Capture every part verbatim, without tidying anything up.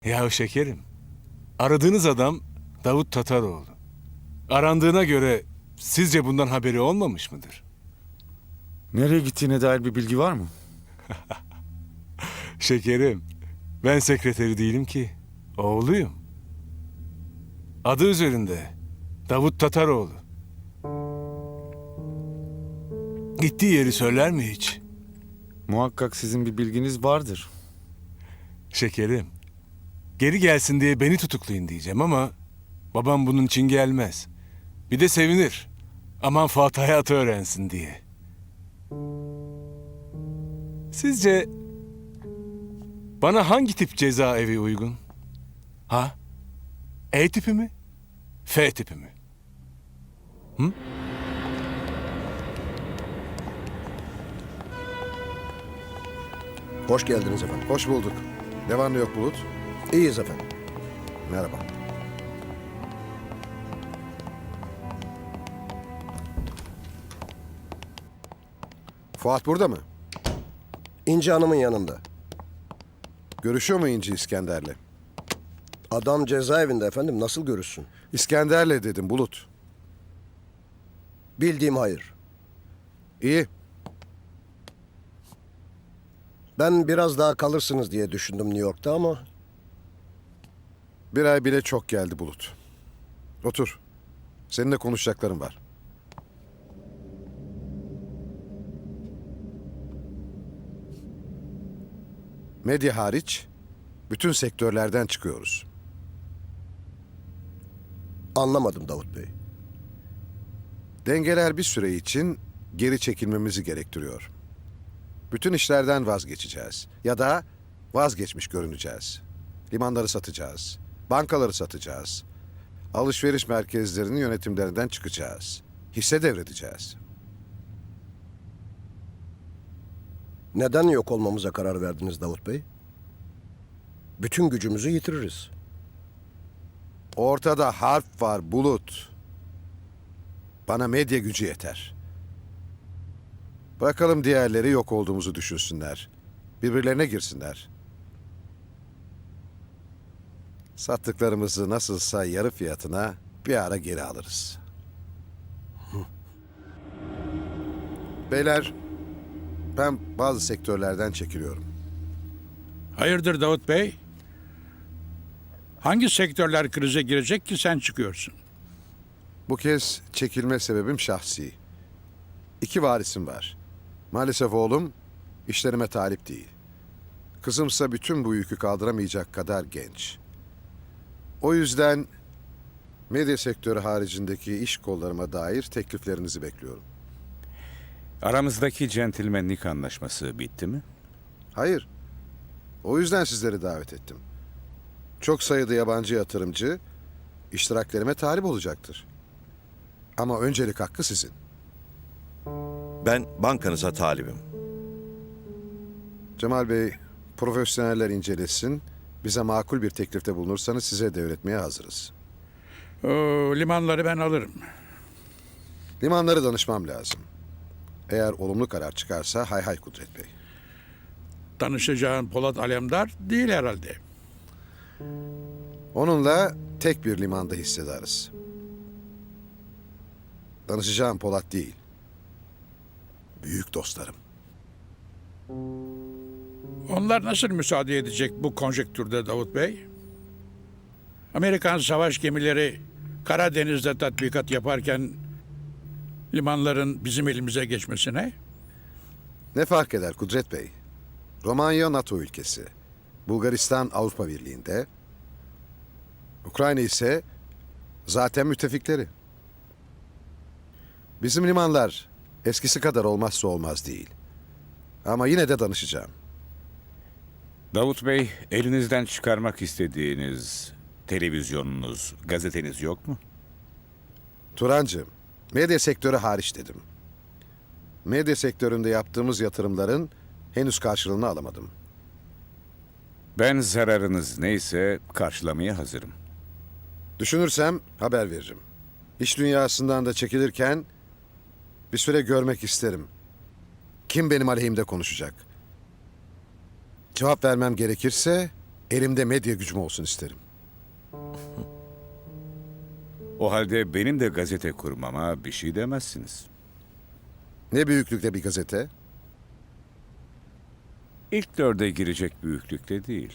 Ya şekerim, aradığınız adam Davut Tataroğlu. Arandığına göre sizce bundan haberi olmamış mıdır? Nereye gittiğine dair bir bilgi var mı? Şekerim, ben sekreteri değilim ki, oğluyum. Adı üzerinde, Davut Tataroğlu. Gittiği yeri söyler mi hiç? Muhakkak sizin bir bilginiz vardır. Şekerim, geri gelsin diye beni tutuklayın diyeceğim ama babam bunun için gelmez. Bir de sevinir. Aman Fuat hayatı öğrensin diye. Sizce bana hangi tip cezaevi uygun? Ha? E tipi mi? F tipi mi? Hı? Hoş geldiniz efendim. Hoş bulduk. Ne var ne yok Bulut? İyiyiz efendim. Merhaba. Fuat burada mı? İnci Hanım'ın yanında. Görüşüyor mu İnci İskender'le? Adam cezaevinde efendim. Nasıl görüşsün? İskender'le dedim Bulut. Bildiğim hayır. İyi. Ben biraz daha kalırsınız diye düşündüm New York'ta ama... Bir ay bile çok geldi Bulut. Otur. Seninle konuşacaklarım var. Medya hariç bütün sektörlerden çıkıyoruz. Anlamadım Davut Bey. Dengeler bir süre için geri çekilmemizi gerektiriyor. Bütün işlerden vazgeçeceğiz. Ya da vazgeçmiş görüneceğiz. Limanları satacağız. Bankaları satacağız. Alışveriş merkezlerinin yönetimlerinden çıkacağız. Hisse devredeceğiz. Neden yok olmamıza karar verdiniz Davut Bey? Bütün gücümüzü yitiririz. Ortada harp var Bulut. Bana medya gücü yeter. Bırakalım diğerleri yok olduğumuzu düşünsünler. Birbirlerine girsinler. Sattıklarımızı nasılsa yarı fiyatına bir ara geri alırız. Beyler, ben bazı sektörlerden çekiliyorum. Hayırdır Davut Bey? Hangi sektörler krize girecek ki sen çıkıyorsun? Bu kez çekilme sebebim şahsi. İki varisim var. Maalesef oğlum işlerime talip değil. Kızımsa bütün bu yükü kaldıramayacak kadar genç. O yüzden medya sektörü haricindeki iş kollarıma dair tekliflerinizi bekliyorum. Aramızdaki centilmenlik anlaşması bitti mi? Hayır. O yüzden sizleri davet ettim. Çok sayıda yabancı yatırımcı iştiraklerime talip olacaktır. Ama öncelik hakkı sizin. Ben bankanıza talibim. Cemal Bey, profesyoneller incelesin. Bize makul bir teklifte bulunursanız size devretmeye hazırız. Oo, limanları ben alırım. Limanları danışmam lazım. Eğer olumlu karar çıkarsa hay hay Kudret Bey. Danışacağın Polat Alemdar değil herhalde. Onunla tek bir limanda hissedarız. Danışacağım Polat değil. Büyük dostlarım. Onlar nasıl müsaade edecek bu konjektürde Davut Bey? Amerikan savaş gemileri Karadeniz'de tatbikat yaparken limanların bizim elimize geçmesine? Ne fark eder Kudret Bey? Romanya NATO ülkesi. Bulgaristan Avrupa Birliği'nde. Ukrayna ise zaten müttefikleri. Bizim limanlar eskisi kadar olmazsa olmaz değil. Ama yine de danışacağım. Davut Bey, elinizden çıkarmak istediğiniz televizyonunuz, gazeteniz yok mu? Turancığım, medya sektörü hariç dedim. Medya sektöründe yaptığımız yatırımların henüz karşılığını alamadım. Ben zararınız neyse karşılamaya hazırım. Düşünürsem haber veririm. İş dünyasından da çekilirken bir süre görmek isterim. Kim benim aleyhimde konuşacak? Cevap vermem gerekirse Elimde medya gücüm olsun isterim. O halde benim de gazete kurmama bir şey demezsiniz. Ne büyüklükte bir gazete? İlk dörde girecek büyüklükte değil.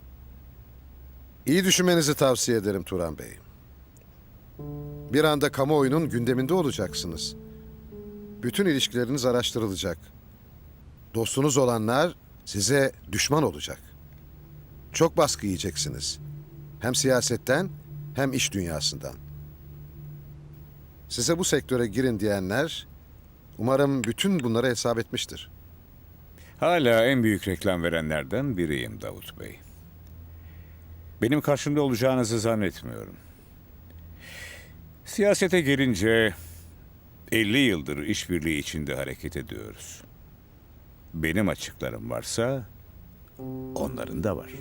İyi düşünmenizi tavsiye ederim Turan Bey. Bir anda kamuoyunun gündeminde olacaksınız. Bütün ilişkileriniz araştırılacak. Dostunuz olanlar size düşman olacak. Çok baskı yiyeceksiniz. Hem siyasetten hem iş dünyasından. Size bu sektöre girin diyenler umarım bütün bunları hesap etmiştir. Hala en büyük reklam verenlerden biriyim Davut Bey. Benim karşımda olacağınızı zannetmiyorum. Siyasete gelince elli yıldır işbirliği içinde hareket ediyoruz. Benim açıklarım varsa onların da var.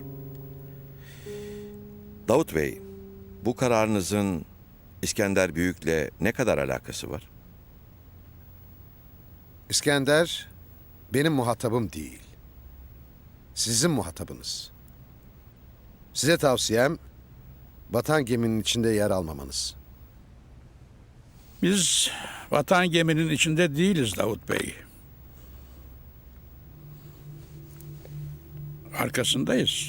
Davut Bey, bu kararınızın İskender Büyük'le ne kadar alakası var? İskender benim muhatabım değil. Sizin muhatabınız. Size tavsiyem batan geminin içinde yer almamanız. Biz vatan geminin içinde değiliz Davut Bey. Arkasındayız.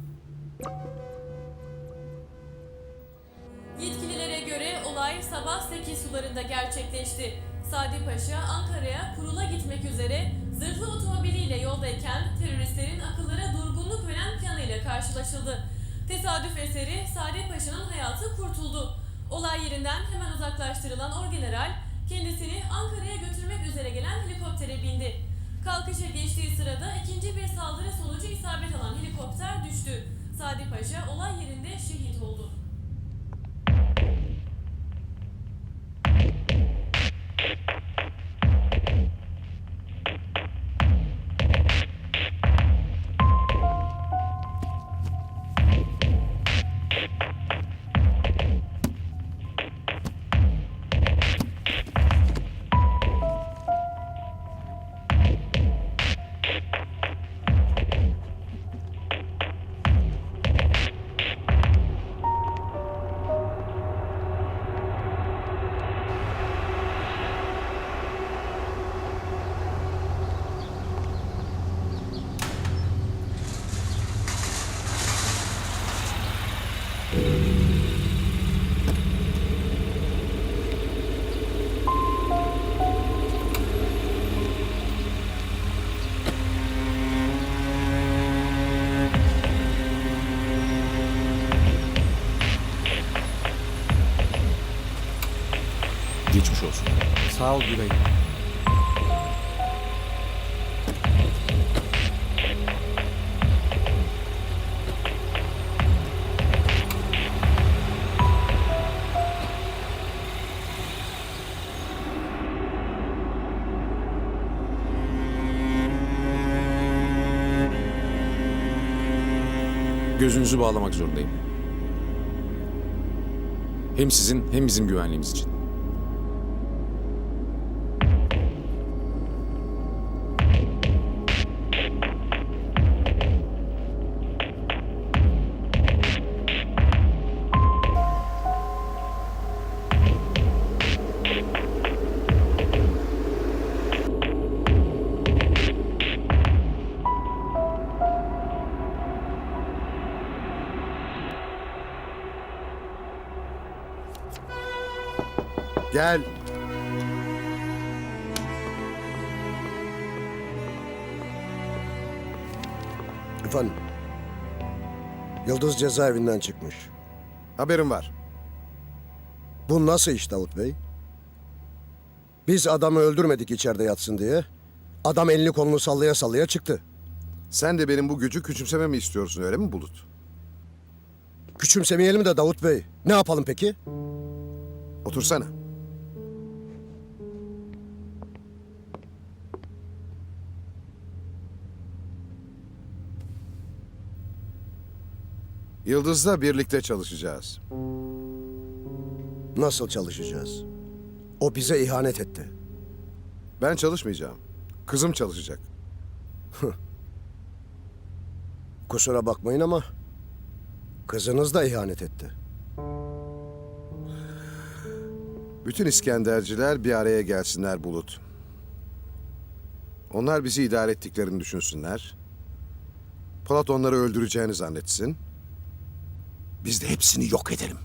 Yetkililere göre olay sabah sekiz sularında gerçekleşti. Sadi Paşa Ankara'ya kurula gitmek üzere zırhlı otomobiliyle yoldayken teröristlerin akıllara durgunluk veren planıyla karşılaşıldı. Tesadüf eseri Sadi Paşa'nın hayatı kurtuldu. Olay yerinden hemen uzaklaştırılan orgeneral kendisini Ankara'ya götürmek üzere gelen helikoptere bindi. Kalkışa geçtiği sırada ikinci bir saldırı sonucu isabet alan helikopter düştü. Sadi Paşa olay yerinde şehit oldu. Geçmiş olsun. Sağ ol Güray. Gözünüzü bağlamak zorundayım. Hem sizin hem bizim güvenliğimiz için. Gel. Efendim. Yıldız cezaevinden çıkmış. Haberim var. Bu nasıl iş Davut Bey? Biz adamı öldürmedik içeride yatsın diye. Adam elini kolunu sallaya sallaya çıktı. Sen de benim bu gücü küçümsememi istiyorsun öyle mi Bulut? Küçümsemeyelim de Davut Bey. Ne yapalım peki? Otursana. Yıldız'la birlikte çalışacağız. Nasıl çalışacağız? O bize ihanet etti. Ben çalışmayacağım. Kızım çalışacak. Kusura bakmayın ama Kızınız da ihanet etti. Bütün İskenderciler bir araya gelsinler Bulut. Onlar bizi idare ettiklerini düşünsünler. Polat onları öldüreceğini zannetsin. Biz de hepsini yok edelim.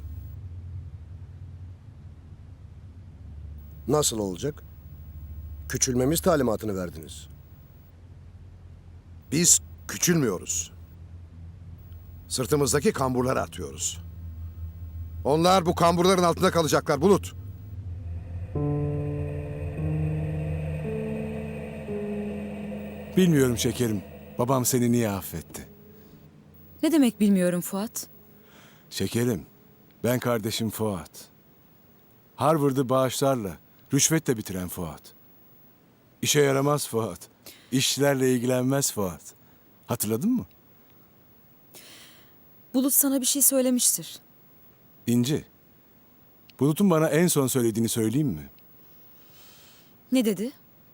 Nasıl olacak? Küçülmemiz talimatını verdiniz. Biz küçülmüyoruz. Sırtımızdaki kamburları atıyoruz. Onlar bu kamburların altında kalacaklar Bulut. Bilmiyorum şekerim. Babam seni niye affetti? Ne demek bilmiyorum Fuat. Şekerim, ben kardeşim Fuat. Harvard'ı bağışlarla, rüşvetle bitiren Fuat. İşe yaramaz Fuat. İşlerle ilgilenmez Fuat. Hatırladın mı? Bulut sana bir şey söylemiştir. İnci, Bulut'un bana en son söylediğini söyleyeyim mi? Ne dedi?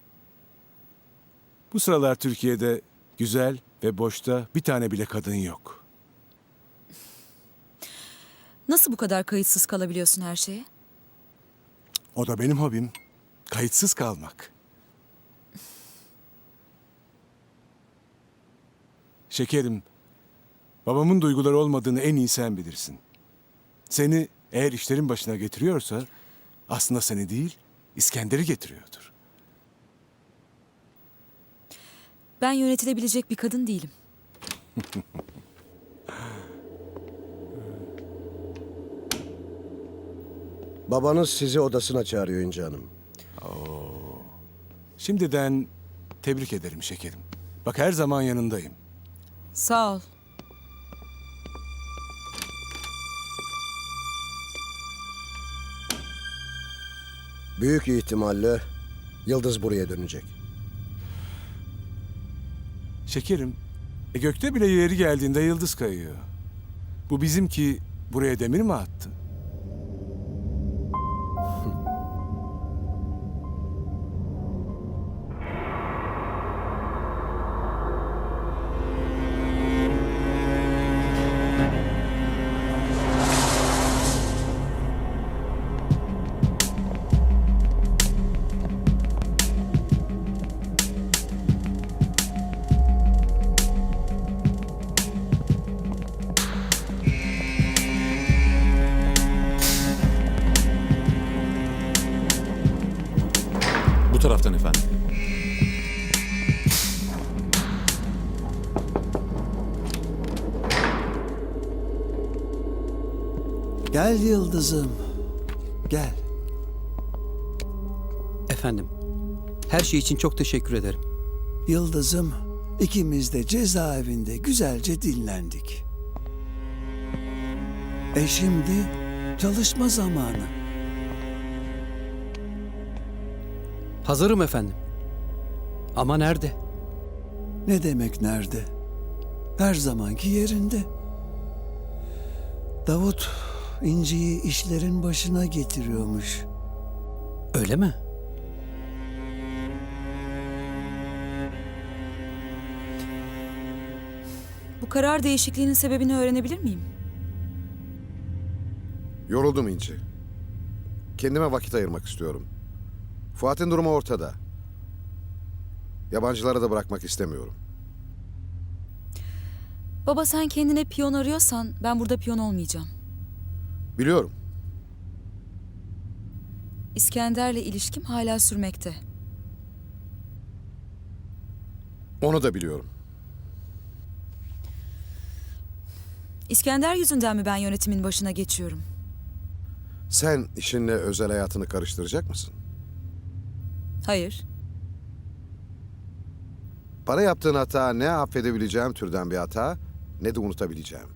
Bu sıralar Türkiye'de güzel ve boşta bir tane bile kadın yok. Nasıl bu kadar kayıtsız kalabiliyorsun her şeye? O da benim hobim. Kayıtsız kalmak. Şekerim, babamın duyguları olmadığını en iyi sen bilirsin. Seni eğer işlerin başına getiriyorsa aslında seni değil, İskender'i getiriyordur. Ben yönetilebilecek bir kadın değilim. Babanız sizi odasına çağırıyor İnci Hanım. Şimdiden tebrik ederim şekerim. Bak her zaman yanındayım. Sağ ol. Büyük ihtimalle Yıldız buraya dönecek. Şekerim, e gökte bile yeri geldiğinde yıldız kayıyor. Bu bizimki buraya demir mi attı? Bu taraftan efendim. Gel Yıldız'ım. Gel. Efendim, her şey için çok teşekkür ederim. Yıldız'ım, ikimiz de cezaevinde güzelce dinlendik. E şimdi çalışma zamanı. Hazırım efendim. Ama nerede? Ne demek nerede? Her zamanki yerinde. Davut İnci'yi işlerin başına getiriyormuş. Öyle mi? Bu karar değişikliğinin sebebini öğrenebilir miyim? Yoruldum İnci. Kendime vakit ayırmak istiyorum. Fuat'ın durumu ortada. Yabancılara da bırakmak istemiyorum. Baba sen kendine piyon arıyorsan ben burada piyon olmayacağım. Biliyorum. İskender'le ilişkim hala sürmekte. Onu da biliyorum. İskender yüzünden mi ben yönetimin başına geçiyorum? Sen işinle özel hayatını karıştıracak mısın? Hayır. Para yaptığın hata ne affedebileceğim türden bir hata ne de unutabileceğim.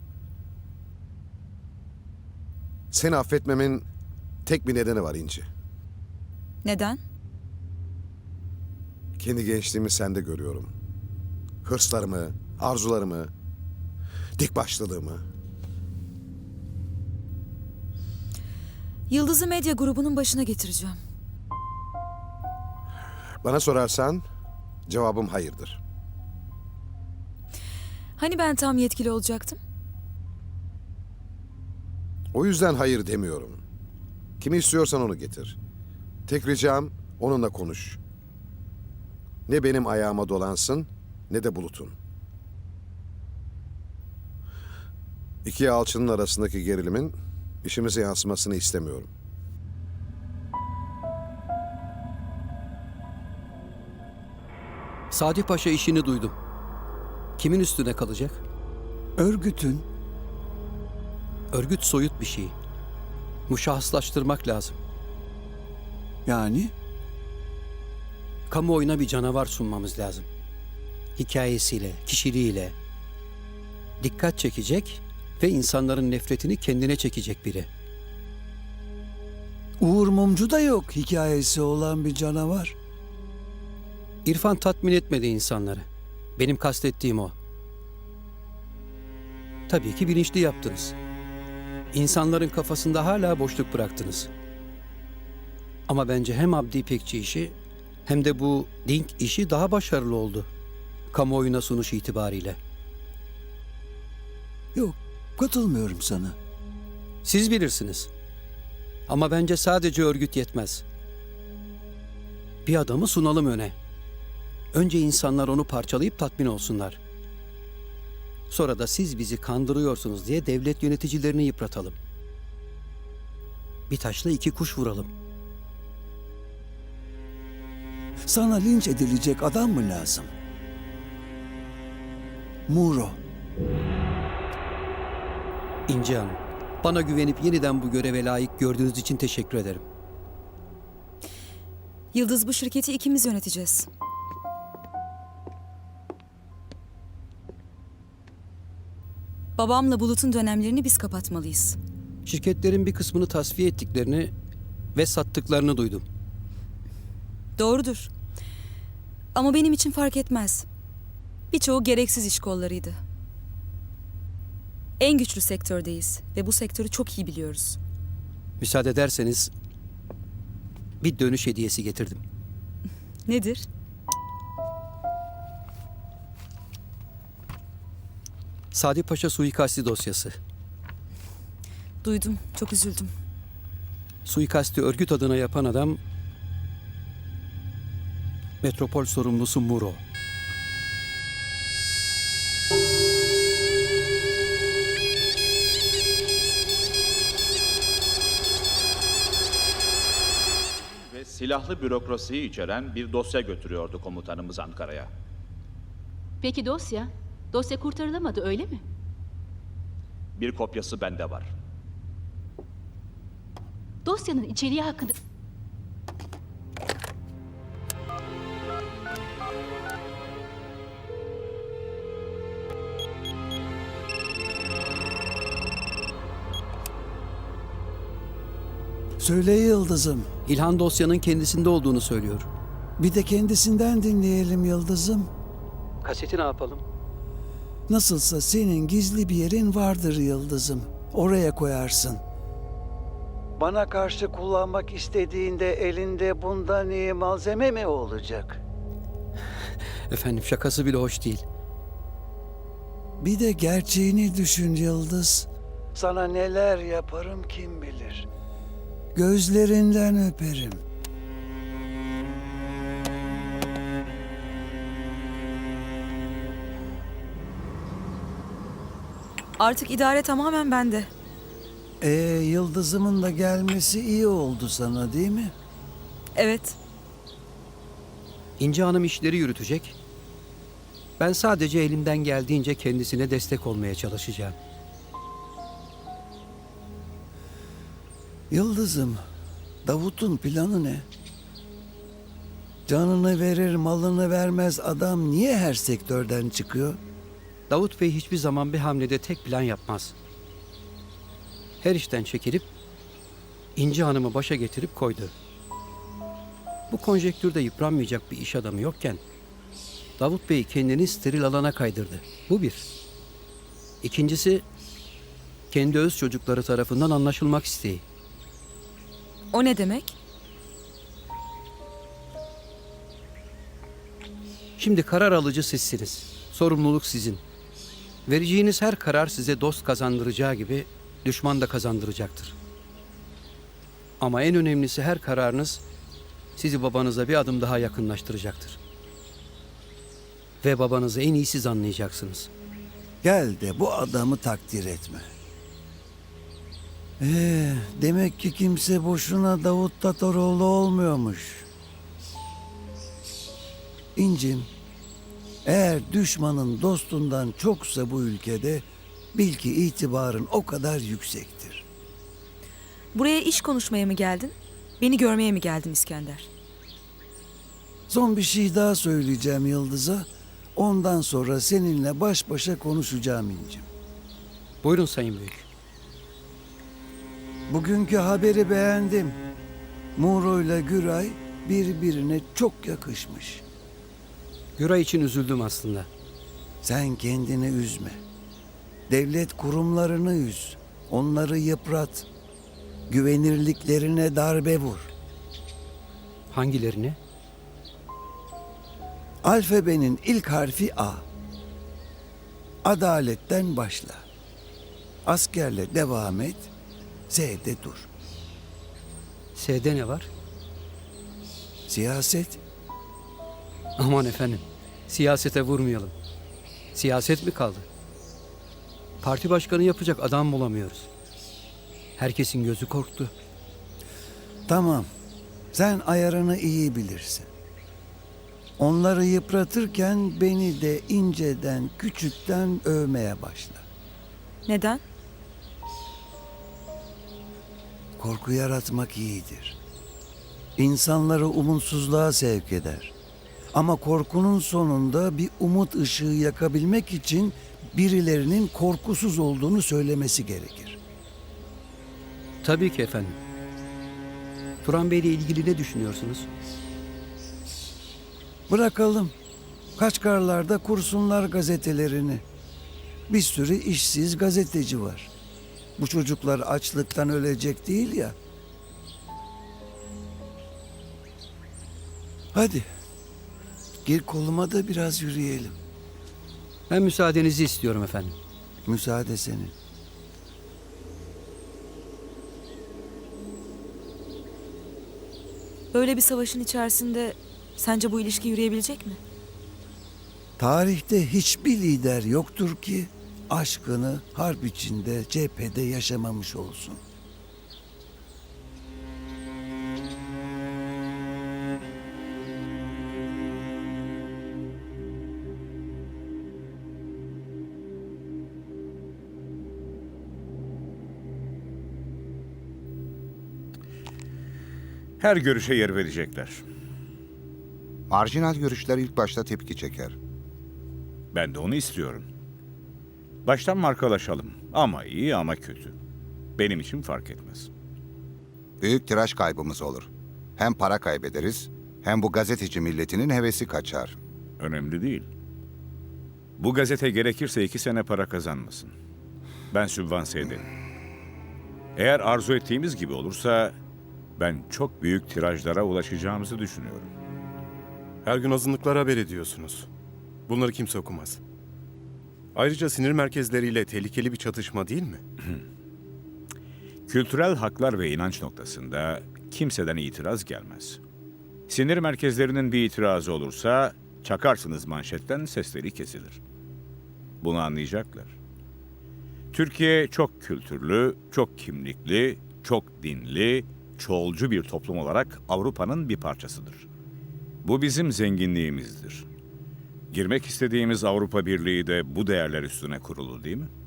Seni affetmemin tek bir nedeni var İnci. Neden? Kendi gençliğimi sende görüyorum. Hırslarımı, arzularımı, dik başlılığımı. Yıldız'ı medya grubunun başına getireceğim. Bana sorarsan cevabım hayırdır. Hani ben tam yetkili olacaktım? O yüzden hayır demiyorum. Kimi istiyorsan onu getir. Tek ricam onunla konuş. Ne benim ayağıma dolansın ne de Bulut'un. İki alçının arasındaki gerilimin işimize yansımasını istemiyorum. Sadi Paşa işini duydum. Kimin üstüne kalacak? Örgütün Örgüt soyut bir şey. Muşahhaslaştırmak lazım. yani Kamuoyuna bir canavar sunmamız lazım. Hikayesiyle, kişiliğiyle. Dikkat çekecek ve insanların nefretini kendine çekecek biri. Uğur Mumcu da yok hikayesi olan bir canavar. İrfan tatmin etmedi insanları. Benim kastettiğim o. Tabii ki bilinçli yaptınız. İnsanların kafasında hala boşluk bıraktınız. Ama bence hem Abdi İpekçi işi hem de bu Dink işi daha başarılı oldu. Kamuoyuna sunuş itibariyle. Yok, katılmıyorum sana. Siz bilirsiniz. Ama bence sadece örgüt yetmez. Bir adamı sunalım öne. Önce insanlar onu parçalayıp tatmin olsunlar. Sonra da siz bizi kandırıyorsunuz diye devlet yöneticilerini yıpratalım. Bir taşla iki kuş vuralım. Sana linç edilecek adam mı lazım? Muro. İnci Hanım, bana güvenip yeniden bu göreve layık gördüğünüz için teşekkür ederim. Yıldız, bu şirketi ikimiz yöneteceğiz. Babamla Bulut'un dönemlerini biz kapatmalıyız. Şirketlerin bir kısmını tasfiye ettiklerini ve sattıklarını duydum. Doğrudur. Ama benim için fark etmez. Birçoğu gereksiz iş kollarıydı. En güçlü sektördeyiz ve bu sektörü çok iyi biliyoruz. Müsaade ederseniz bir dönüş hediyesi getirdim. Nedir? Sadi Paşa suikasti dosyası. Duydum, çok üzüldüm. Suikasti örgüt adına yapan adam metropol sorumlusu Muro. Ve silahlı bürokrasiyi içeren bir dosya götürüyordu komutanımız Ankara'ya. Peki dosya? Dosya kurtarılamadı öyle mi? Bir kopyası bende var. Dosyanın içeriği hakkında... Söyle Yıldız'ım. İlhan dosyanın kendisinde olduğunu söylüyor. Bir de kendisinden dinleyelim Yıldız'ım. Kaseti ne yapalım? Nasılsa senin gizli bir yerin vardır Yıldız'ım. Oraya koyarsın. Bana karşı kullanmak istediğinde elinde bundan iyi malzeme mi olacak? Efendim şakası bile hoş değil. Bir de gerçeğini düşün Yıldız. Sana neler yaparım kim bilir. Gözlerinden öperim. Artık idare tamamen bende. Ee, Yıldız'ımın da gelmesi iyi oldu sana değil mi? Evet. İnci Hanım işleri yürütecek. Ben sadece elimden geldiğince kendisine destek olmaya çalışacağım. Yıldız'ım, Davut'un planı ne? Canını verir, malını vermez adam niye her sektörden çıkıyor? Davut Bey hiçbir zaman bir hamlede tek plan yapmaz. Her işten çekilip İnci Hanım'ı başa getirip koydu. Bu konjektürde yıpranmayacak bir iş adamı yokken Davut Bey kendini steril alana kaydırdı. Bu bir. İkincisi kendi öz çocukları tarafından anlaşılmak isteği. O ne demek? Şimdi karar alıcı sizsiniz. Sorumluluk sizin. Vereceğiniz her karar size dost kazandıracağı gibi düşman da kazandıracaktır. Ama en önemlisi her kararınız sizi babanıza bir adım daha yakınlaştıracaktır. Ve babanızı en iyi siz anlayacaksınız. Gel de bu adamı takdir etme. Ee, demek ki kimse boşuna Davut Tataroğlu olmuyormuş. İncim, eğer düşmanın dostundan çoksa bu ülkede bil ki itibarın o kadar yüksektir. Buraya iş konuşmaya mı geldin? Beni görmeye mi geldin İskender? Son bir şey daha söyleyeceğim Yıldız'a. Ondan sonra seninle baş başa konuşacağım İncim. Buyurun Sayın Büyük. Bugünkü haberi beğendim. Muğro ile Güray birbirine çok yakışmış. Güray için üzüldüm aslında. Sen kendini üzme. Devlet kurumlarını üz. Onları yıprat. Güvenirliklerine darbe vur. Hangilerini? Alfabenin ilk harfi A. Adaletten başla. Askerle devam et. Z'de dur. S'de ne var? Siyaset. Aman efendim, siyasete vurmayalım. Siyaset mi kaldı? Parti başkanı yapacak adam bulamıyoruz. Herkesin gözü korktu. Tamam. Sen ayarını iyi bilirsin. Onları yıpratırken beni de inceden, küçükten övmeye başla. Neden? Korku yaratmak iyidir. İnsanları umutsuzluğa sevk eder. Ama korkunun sonunda bir umut ışığı yakabilmek için birilerinin korkusuz olduğunu söylemesi gerekir. Tabii ki efendim. Turan Bey ile ilgili ne düşünüyorsunuz? Bırakalım. Kaçkarlarda kursunlar gazetelerini. Bir sürü işsiz gazeteci var. Bu çocuklar açlıktan ölecek değil ya. Hadi. Gir koluma da biraz yürüyelim. Ben müsaadenizi istiyorum efendim. Müsaade senin. Böyle bir savaşın içerisinde sence bu ilişki yürüyebilecek mi? Tarihte hiçbir lider yoktur ki aşkını harp içinde, cephede yaşamamış olsun. Her görüşe yer verecekler. Marjinal görüşler ilk başta tepki çeker. Ben de onu istiyorum. Baştan markalaşalım. Ama iyi ama kötü. Benim için fark etmez. Büyük tiraj kaybımız olur. Hem para kaybederiz, hem bu gazeteci milletinin hevesi kaçar. Önemli değil. Bu gazete gerekirse iki sene para kazanmasın. Ben sübvanse ederim. Eğer arzu ettiğimiz gibi olursa ben çok büyük tirajlara ulaşacağımızı düşünüyorum. Her gün azınlıklara haber ediyorsunuz. Bunları kimse okumaz. Ayrıca sinir merkezleriyle tehlikeli bir çatışma değil mi? Kültürel haklar ve inanç noktasında kimseden itiraz gelmez. Sinir merkezlerinin bir itirazı olursa çakarsınız manşetten, sesleri kesilir. Bunu anlayacaklar. Türkiye çok kültürlü, çok kimlikli, çok dinli, çoğulcu bir toplum olarak Avrupa'nın bir parçasıdır. Bu bizim zenginliğimizdir. Girmek istediğimiz Avrupa Birliği de bu değerler üstüne kurulu değil mi?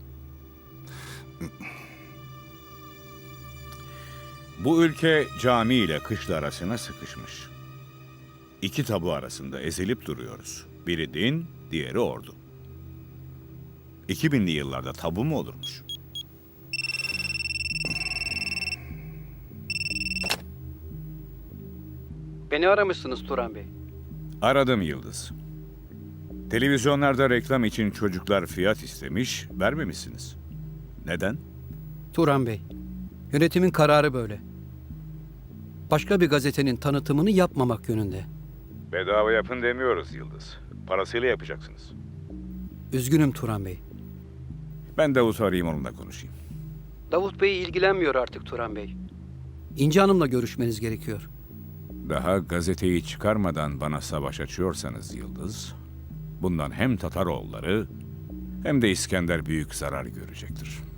Bu ülke cami ile kışla arasına sıkışmış. İki tabu arasında ezilip duruyoruz. Biri din, diğeri ordu. iki binli yıllarda tabu mu olurmuş? Beni aramışsınız Turan Bey. Aradım Yıldız. Televizyonlarda reklam için çocuklar fiyat istemiş, vermemişsiniz. Neden? Turan Bey, yönetimin kararı böyle. Başka bir gazetenin tanıtımını yapmamak yönünde. Bedava yapın demiyoruz Yıldız. Parasıyla yapacaksınız. Üzgünüm Turan Bey. Ben Davut'u arayayım, onunla konuşayım. Davut Bey ilgilenmiyor artık Turan Bey. İnci Hanım'la görüşmeniz gerekiyor. Daha gazeteyi çıkarmadan bana savaş açıyorsanız Yıldız, bundan hem Tataroğulları hem de İskender büyük zarar görecektir.